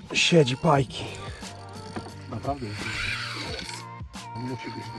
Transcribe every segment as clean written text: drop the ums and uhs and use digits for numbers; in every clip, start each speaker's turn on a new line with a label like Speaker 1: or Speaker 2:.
Speaker 1: Siedzi pajki.
Speaker 2: Naprawdę jest. Musi być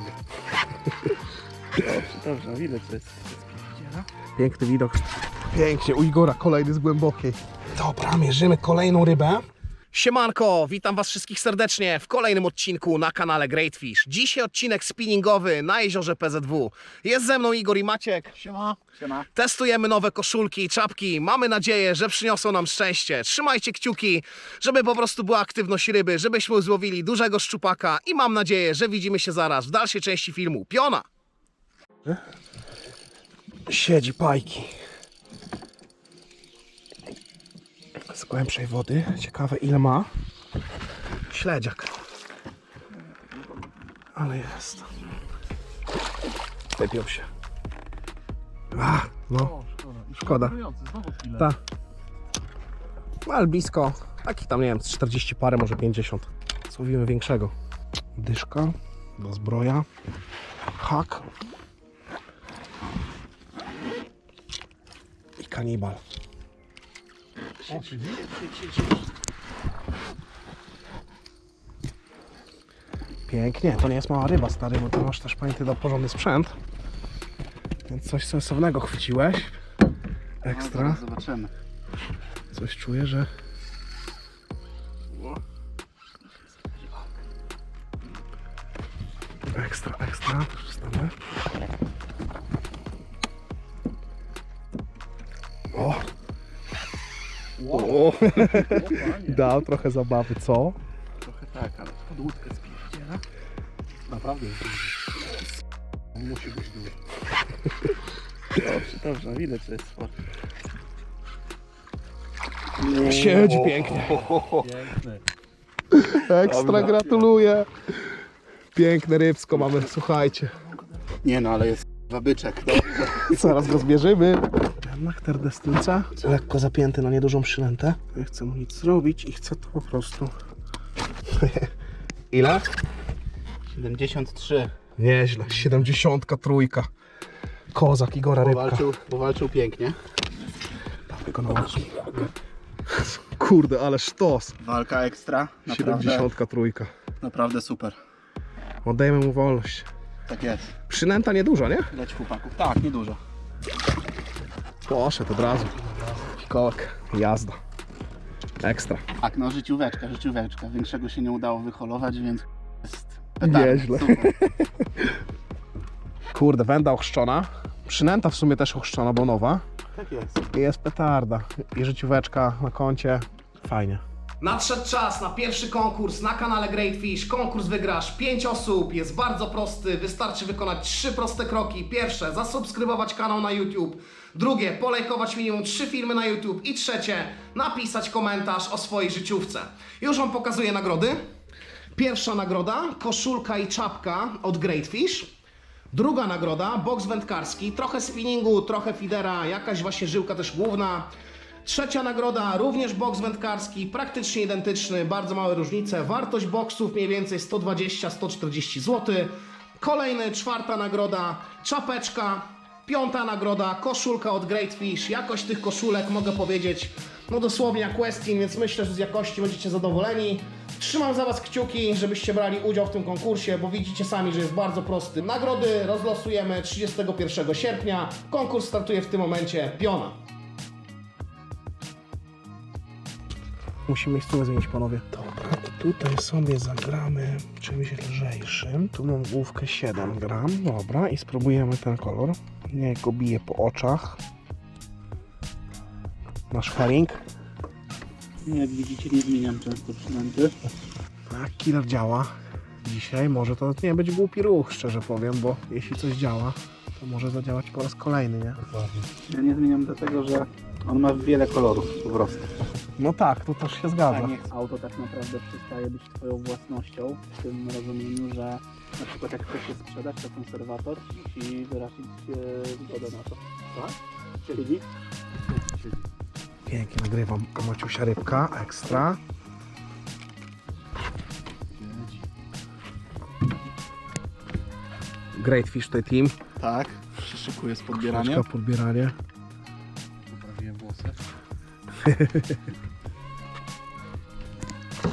Speaker 2: dobrze, widać, że jest pierdziela.
Speaker 1: Piękny widok. Pięknie, u Igora kolejny z głębokiej. Dobra, mierzymy kolejną rybę. Siemanko, witam was wszystkich serdecznie w kolejnym odcinku na kanale Great Fish. Dzisiaj odcinek spinningowy na jeziorze PZW. Jest ze mną Igor i Maciek.
Speaker 2: Siema. Siema.
Speaker 1: Testujemy nowe koszulki i czapki. Mamy nadzieję, że przyniosą nam szczęście. Trzymajcie kciuki, żeby po prostu była aktywność ryby, żebyśmy złowili dużego szczupaka i mam nadzieję, że widzimy się zaraz w dalszej części filmu. Piona! Siedzi pajki. Z głębszej wody. Ciekawe ile ma. Śledziak. Ale jest. Wypiął się. No. Szkoda.
Speaker 2: Znowu chwilę.
Speaker 1: Ta. Ale blisko. Taki tam, nie wiem, 40 parę, może 50. Złowimy większego. Dyszka. Do zbroja. Hak. I kanibal. Pięknie, to nie jest mała ryba, stary, bo ty masz też, pamiętaj, do porządny sprzęt. Więc coś sensownego chwyciłeś. Ekstra.
Speaker 2: No, zobaczymy.
Speaker 1: Coś czuję, że... Ekstra, ekstra. Przestanę. O! O! Dał trochę zabawy, co?
Speaker 2: Trochę tak, ale pod łódkę spierdziela. Naprawdę jest duży. Musi być duży. Dobrze, widać, że jest sport.
Speaker 1: Siedzi pięknie.
Speaker 2: Piękny.
Speaker 1: Ekstra,
Speaker 2: Dobra.
Speaker 1: gratuluję. Piękne rybsko mamy, słuchajcie.
Speaker 2: Nie no, ale jest byczek.
Speaker 1: Zaraz go zbierzemy. Na terdestylca. Lekko zapięty na niedużą przynętę. Nie chcę mu nic zrobić i chcę to po prostu... Ile?
Speaker 2: 73.
Speaker 1: Nieźle, 73. Kozak Igora rybka.
Speaker 2: Powalczył pięknie.
Speaker 1: Dawaj go na oczy. Kurde, ale sztos.
Speaker 2: Walka ekstra. Naprawdę,
Speaker 1: 73.
Speaker 2: naprawdę super.
Speaker 1: Oddajemy mu wolność.
Speaker 2: Tak jest.
Speaker 1: Przynęta nieduża, nie?
Speaker 2: Leć chłopaków. Tak, niedużo.
Speaker 1: Poszedł od razu. Fikołek, jazda. Ekstra.
Speaker 2: Tak, no życióweczka. Większego się nie udało wyholować, więc jest petarda.
Speaker 1: Nieźle.
Speaker 2: Super.
Speaker 1: Kurde, węda ochrzczona. Przynęta w sumie też ochrzczona, bo nowa.
Speaker 2: Tak jest.
Speaker 1: I jest petarda. I życióweczka na koncie. Fajnie. Nadszedł czas na pierwszy konkurs na kanale Great Fish. Konkurs wygrasz 5 osób. Jest bardzo prosty. Wystarczy wykonać 3 proste kroki. Pierwsze, zasubskrybować kanał na YouTube. Drugie, polajkować minimum 3 filmy na YouTube. I trzecie, napisać komentarz o swojej życiówce. Już Wam pokazuję nagrody. Pierwsza nagroda, koszulka i czapka od Great Fish. Druga nagroda, boks wędkarski, trochę spinningu, trochę feedera, jakaś właśnie żyłka też główna. Trzecia nagroda, również boks wędkarski, praktycznie identyczny, bardzo małe różnice. Wartość boksów mniej więcej 120-140 zł. Kolejny, czwarta nagroda, czapeczka. Piąta nagroda, koszulka od Great Fish. Jakość tych koszulek mogę powiedzieć, no dosłownie jak Westin, więc myślę, że z jakości będziecie zadowoleni. Trzymam za Was kciuki, żebyście brali udział w tym konkursie, bo widzicie sami, że jest bardzo prosty. Nagrody rozlosujemy 31 sierpnia. Konkurs startuje w tym momencie. Piona. Musimy miejscówkę zmienić, panowie. Dobra, tutaj sobie zagramy czymś lżejszym. Tu mam główkę 7 gram. Dobra, i spróbujemy ten kolor. Niech go bije po oczach. Nasz herring.
Speaker 2: Jak widzicie, nie zmieniam często przynęty.
Speaker 1: Tak, killer działa dzisiaj. Może to nie być głupi ruch, szczerze powiem, bo jeśli coś działa, to może zadziałać po raz kolejny, nie?
Speaker 2: Ja nie zmieniam dlatego, że on ma wiele kolorów po prostu.
Speaker 1: No tak, to też się zgadza.
Speaker 2: Auto tak naprawdę przestaje być Twoją własnością, w tym rozumieniu, że na przykład jak chcesz je sprzedać, to konserwator musi wyrazić zgodę na to. Tak? Czyli?
Speaker 1: Pięknie nagrywam Maciusia rybka, ekstra. Great Fish tutaj team.
Speaker 2: Tak, się szykuje z podbieraniem.
Speaker 1: Troszkę podbieranie.
Speaker 2: Poprawiłem włosy.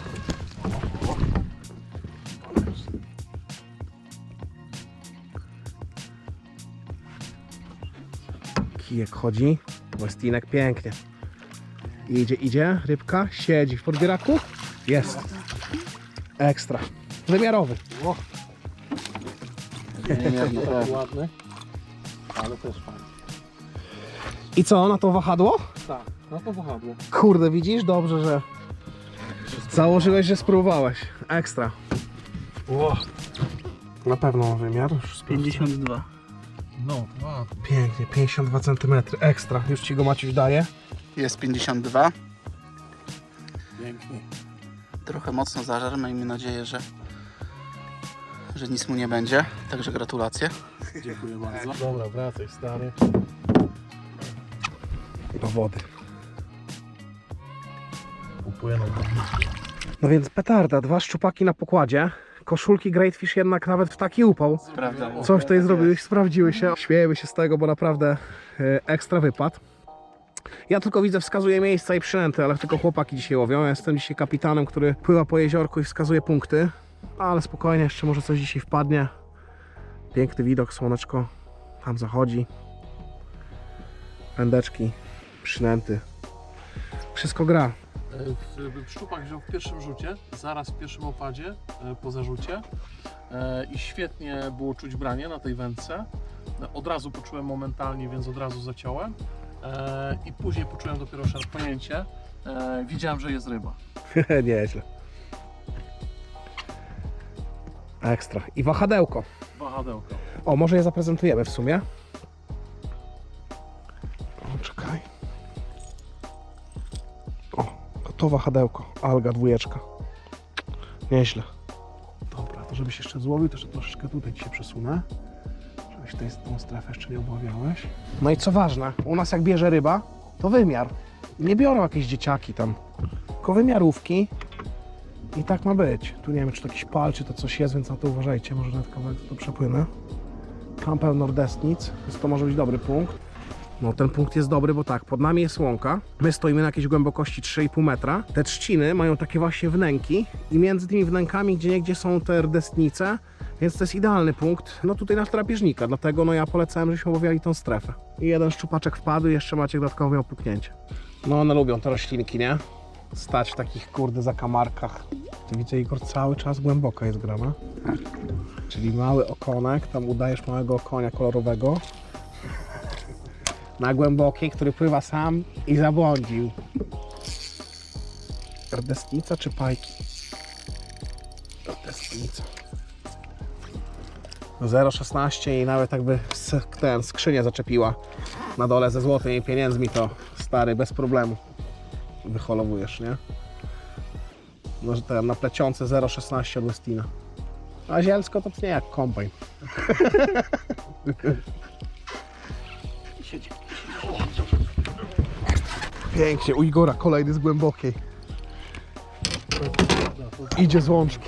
Speaker 1: kijek chodzi. Westinek pięknie. Idzie, rybka, siedzi w podbieraku. Jest. Ekstra. Wymiarowy.
Speaker 3: Ładny, ale też fajny.
Speaker 1: I co, na to wahadło?
Speaker 3: Tak, no to wahadło.
Speaker 1: Kurde, widzisz? Dobrze, że założyłeś, że spróbowałeś. Ekstra. Na pewno ma wymiar. Już
Speaker 2: 52.
Speaker 3: No, wow.
Speaker 1: Pięknie, 52 cm. Ekstra. Już ci go Maciuś daje.
Speaker 2: Jest 52.
Speaker 3: Pięknie.
Speaker 2: Trochę mocno zażar, miejmy nadzieję, że nic mu nie będzie. Także gratulacje.
Speaker 3: Dziękuję bardzo. Dobra, wracaj stary.
Speaker 1: Do wody.
Speaker 3: Upłynął.
Speaker 1: No więc petarda, 2 szczupaki na pokładzie. Koszulki Greatfish jednak nawet w taki upał.
Speaker 2: Sprawdzam.
Speaker 1: Coś tutaj zrobiłeś, sprawdziły się. Śmiejemy się z tego, bo naprawdę ekstra wypad. Ja tylko widzę, wskazuję miejsca i przynęty, ale tylko chłopaki dzisiaj łowią. Ja jestem dzisiaj kapitanem, który pływa po jeziorku i wskazuje punkty. Ale spokojnie, jeszcze może coś dzisiaj wpadnie. Piękny widok, słoneczko tam zachodzi. Pędeczki, przynęty. Wszystko gra.
Speaker 3: Szczupak wziął w pierwszym rzucie, zaraz w pierwszym opadzie, po zarzucie i świetnie było czuć branie na tej wędce. Od razu poczułem momentalnie, więc od razu zaciąłem i później poczułem dopiero szarpnięcie. Widziałem, że jest ryba.
Speaker 1: Nieźle. Ekstra. I wahadełko.
Speaker 3: Wahadełko.
Speaker 1: O, może je zaprezentujemy w sumie. O, czekaj. O, to wahadełko. Alga 2. Nieźle. Dobra, to żebyś jeszcze złowił, to jeszcze troszeczkę tutaj ci się przesunę. Żebyś tą strefę jeszcze nie obawiałeś. No i co ważne, u nas jak bierze ryba, to wymiar. Nie biorą jakieś dzieciaki tam, tylko wymiarówki. I tak ma być. Tu nie wiem, czy to jakiś pal, czy to coś jest, więc na to uważajcie. Może nawet kawałek to przepłynę. Tam pełno nordestnic, więc to może być dobry punkt. No ten punkt jest dobry, bo tak, pod nami jest łąka. My stoimy na jakiejś głębokości 3,5 metra. Te trzciny mają takie właśnie wnęki i między tymi wnękami gdzieniegdzie są te rdestnice, więc to jest idealny punkt. No tutaj na drapieżnika, dlatego no ja polecałem, żebyśmy łowiali tą strefę. I jeden szczupaczek wpadł i jeszcze Maciek dodatkowo miał puknięcie. No one lubią te roślinki, nie? Stać w takich kurde zakamarkach. Tu widzę, Igor, cały czas głęboko jest grana. Czyli mały okonek, tam udajesz małego konia kolorowego. Na głębokiej, który pływa sam i zabłądził. Rdestnica czy pajki? Rdestnica. 0,16 i nawet jakby skrzynię zaczepiła na dole ze złotymi pieniędzmi, to stary, bez problemu wyholowujesz, nie? No, że ten na plecionce 0,16 od Westina. A zielsko to nie jak kombajn. Pięknie, u Igora kolejny z głębokiej. Idzie z łączki.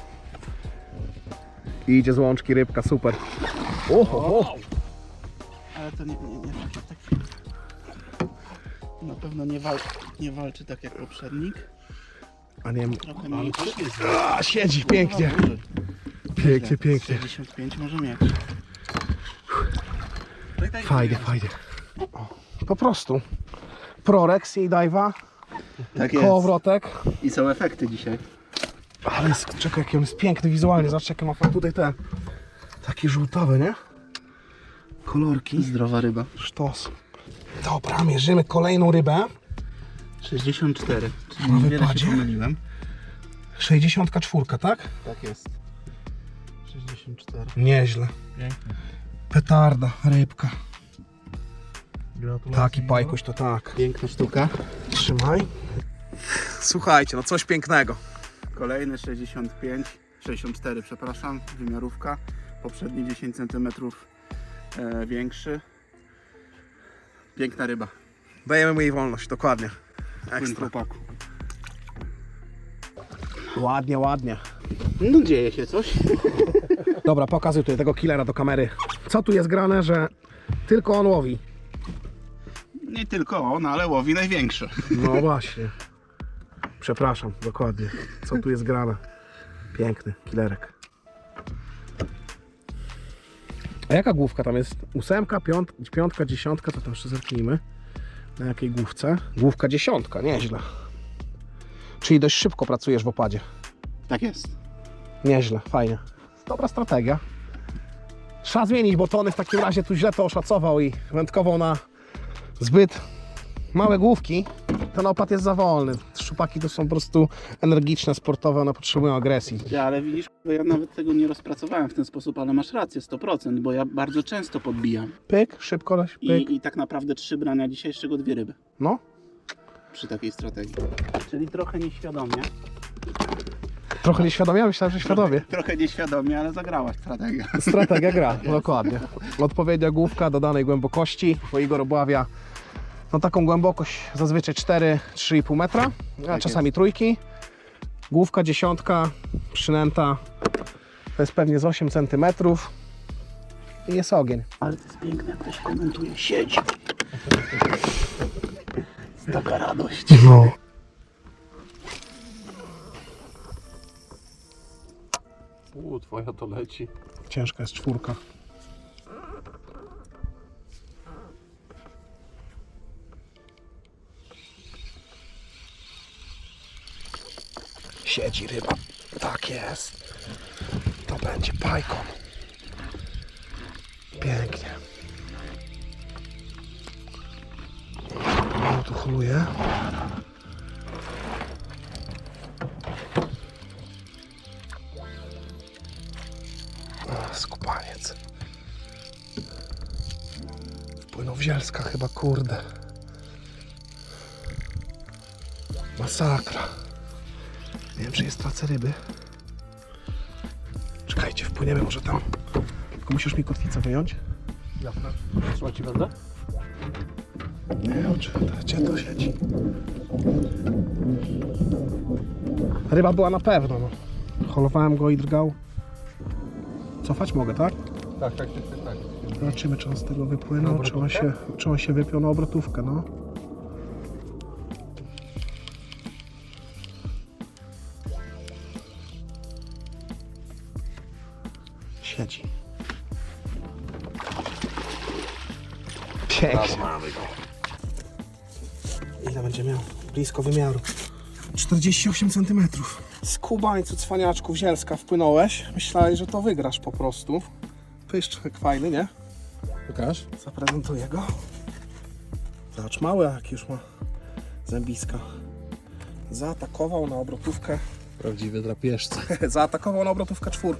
Speaker 1: Idzie z łączki rybka, super. Oho.
Speaker 2: Ale to nie na pewno nie walczy tak jak poprzednik.
Speaker 1: A nie,
Speaker 2: Trochę mniejszy.
Speaker 1: a, siedzi pięknie. Pięknie, pięknie.
Speaker 2: 65 może mieć.
Speaker 1: Fajnie. O, po prostu. Prorex i dive'a,
Speaker 2: Tak
Speaker 1: kołowrotek.
Speaker 2: I są efekty dzisiaj.
Speaker 1: Ale jest, czekaj, jaki on jest piękny wizualnie. Zobacz, jakie ma tutaj te takie żółtawe, nie? Kolorki.
Speaker 2: Zdrowa ryba.
Speaker 1: Sztos. Dobra, mierzymy kolejną rybę.
Speaker 2: 64. Czyli
Speaker 1: Na
Speaker 2: niewiele
Speaker 1: wypadzie?
Speaker 2: się pomyliłem.
Speaker 1: 64, tak?
Speaker 2: Tak jest.
Speaker 3: 64.
Speaker 1: Nieźle.
Speaker 3: Pięknie.
Speaker 1: Petarda, rybka.
Speaker 3: Gratulacje.
Speaker 1: Taki pajkuś to tak.
Speaker 2: Piękna sztuka.
Speaker 1: Trzymaj. Słuchajcie, no coś pięknego.
Speaker 2: Kolejny 64, przepraszam, wymiarówka. Poprzedni 10 cm większy. Piękna ryba.
Speaker 1: Dajemy mu jej wolność, dokładnie.
Speaker 2: Płyn
Speaker 1: Ekstra.
Speaker 2: chłopaku.
Speaker 1: Ładnie.
Speaker 2: No dzieje się coś.
Speaker 1: Dobra, pokazuj tutaj tego killera do kamery. Co tu jest grane, że tylko on łowi?
Speaker 2: Nie tylko on, ale łowi największy.
Speaker 1: No właśnie. Przepraszam, dokładnie. Co tu jest grane? Piękny killerek. A jaka główka tam jest? 8, 5, 10, to tam jeszcze zerknijmy. Na jakiej główce? Główka 10, nieźle. Czyli dość szybko pracujesz w opadzie.
Speaker 2: Tak jest.
Speaker 1: Nieźle, fajnie. Dobra strategia. Trzeba zmienić, bo Tony w takim razie tu źle to oszacował i wędkował na zbyt małe główki. Ten opad jest za wolny. Szczupaki to są po prostu energiczne, sportowe, one potrzebują agresji.
Speaker 2: Ja, ale widzisz, ja nawet tego nie rozpracowałem w ten sposób, ale masz rację, 100%, bo ja bardzo często podbijam.
Speaker 1: Pyk, szybko, pyk.
Speaker 2: I tak naprawdę 3 brania dzisiaj, z czego 2 ryby.
Speaker 1: No,
Speaker 2: Przy takiej strategii. Czyli trochę nieświadomie.
Speaker 1: trochę nieświadomie, myślałem, że świadomie.
Speaker 2: Trochę nieświadomie, ale zagrała strategia.
Speaker 1: Strategia gra, dokładnie. Odpowiednia główka do danej głębokości, bo Igor obławia no taką głębokość zazwyczaj 4-3,5 metra, a
Speaker 2: Tak
Speaker 1: czasami trójki. Główka 10, przynęta, to jest pewnie z 8 cm i jest ogień.
Speaker 2: Ale to jest piękne, jak ktoś komentuje. Siedź! Taka radość.
Speaker 1: No.
Speaker 3: Twoja to leci.
Speaker 1: Ciężka jest 4. Siedzi ryba. Tak jest. To będzie pajką. Pięknie. No tu holuje. Skubaniec. Wpłynął w Zielska chyba, kurde. Masakra. Nie wiem, czy jest tracę ryby. Czekajcie, wpłyniemy może tam. Tylko musisz mi kotwicę wyjąć.
Speaker 3: Jasne. Trzeba ci będę?
Speaker 1: Nie, gdzie to siedzi? Ryba była na pewno, no. Holowałem go i drgał. Cofać mogę, tak?
Speaker 3: Tak.
Speaker 1: Zobaczymy, czy on z tego wypłynął, czy on się wypiął na obrotówkę, no. Siedzi. Pięknie. Ile będzie miał? Blisko wymiaru. 48 cm. Skubańcu, cwaniaczku, Zielska wpłynąłeś. Myślałeś, że to wygrasz po prostu. Pyszczek fajny, nie?
Speaker 3: Pokaż.
Speaker 1: Zaprezentuję go. Zobacz, mały jak już ma zębiska. Zaatakował na obrotówkę.
Speaker 3: Prawdziwy drapieżca.
Speaker 1: Zaatakował na obrotówkę 4.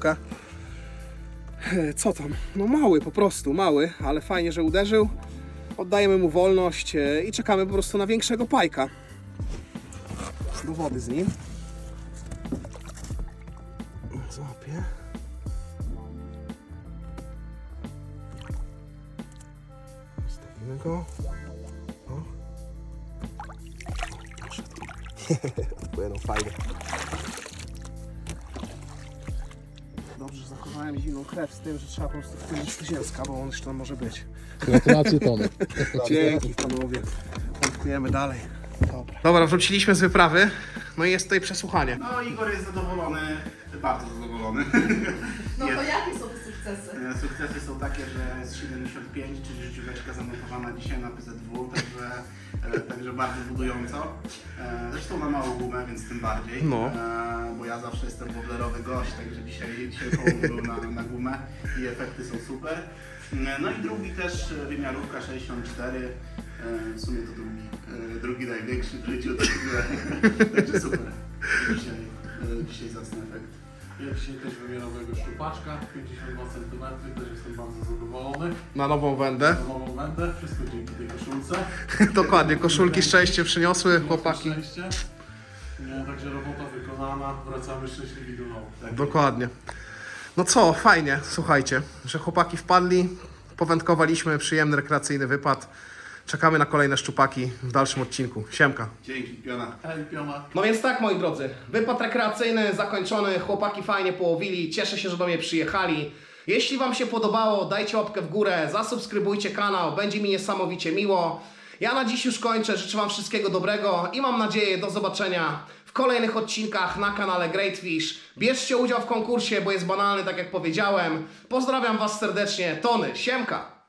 Speaker 1: Co tam? No mały, po prostu mały, ale fajnie, że uderzył. Oddajemy mu wolność i czekamy po prostu na większego pajka. Do wody z nim. Złapię. Zostawimy go. O. Poszedł. Odpłynął fajnie. Dobrze, że zachowałem zimną krew z tym, że trzeba po prostu wpłynąć do Zielska, bo on jeszcze tam może być.
Speaker 3: Gratulacje, Tony.
Speaker 1: Dzięki panowie. Wędkujemy dalej. Dobra, wróciliśmy z wyprawy. No i jest tutaj przesłuchanie.
Speaker 2: No Igor jest zadowolony, bardzo zadowolony.
Speaker 4: No to jakie są te sukcesy?
Speaker 2: Sukcesy są takie, że jest 75, czyli życióweczka zamontowana dzisiaj na PZW, także bardzo budująco. Zresztą na małą gumę, więc tym bardziej.
Speaker 1: No.
Speaker 2: Bo ja zawsze jestem woblerowy gość, także dzisiaj połowę był na gumę i efekty są super. No i drugi też wymiarówka 64. W sumie to drugi największy w życiu, także super. Dzisiaj zacny efekt.
Speaker 3: Ja dzisiaj też wymiarowego szczupaczka, 52 cm, też jestem bardzo zadowolony.
Speaker 1: Na nową wędę.
Speaker 3: Na nową wędę, wszystko dzięki tej koszulce.
Speaker 1: Dokładnie, koszulki szczęście przyniosły chłopaki.
Speaker 3: Szczęście. Także robota wykonana, wracamy szczęśliwi do domu. Tak.
Speaker 1: Dokładnie. No co, fajnie, słuchajcie, że chłopaki wpadli, powędkowaliśmy, przyjemny, rekreacyjny wypad. Czekamy na kolejne szczupaki w dalszym odcinku. Siemka.
Speaker 2: Dzięki, piona.
Speaker 3: Hej, piona.
Speaker 1: No więc tak, moi drodzy, wypad rekreacyjny zakończony, chłopaki fajnie połowili, cieszę się, że do mnie przyjechali. Jeśli Wam się podobało, dajcie łapkę w górę, zasubskrybujcie kanał, będzie mi niesamowicie miło. Ja na dziś już kończę, życzę Wam wszystkiego dobrego i mam nadzieję do zobaczenia w w kolejnych odcinkach na kanale Great Fish. Bierzcie udział w konkursie, bo jest banalny, tak jak powiedziałem. Pozdrawiam Was serdecznie, Tony, siemka!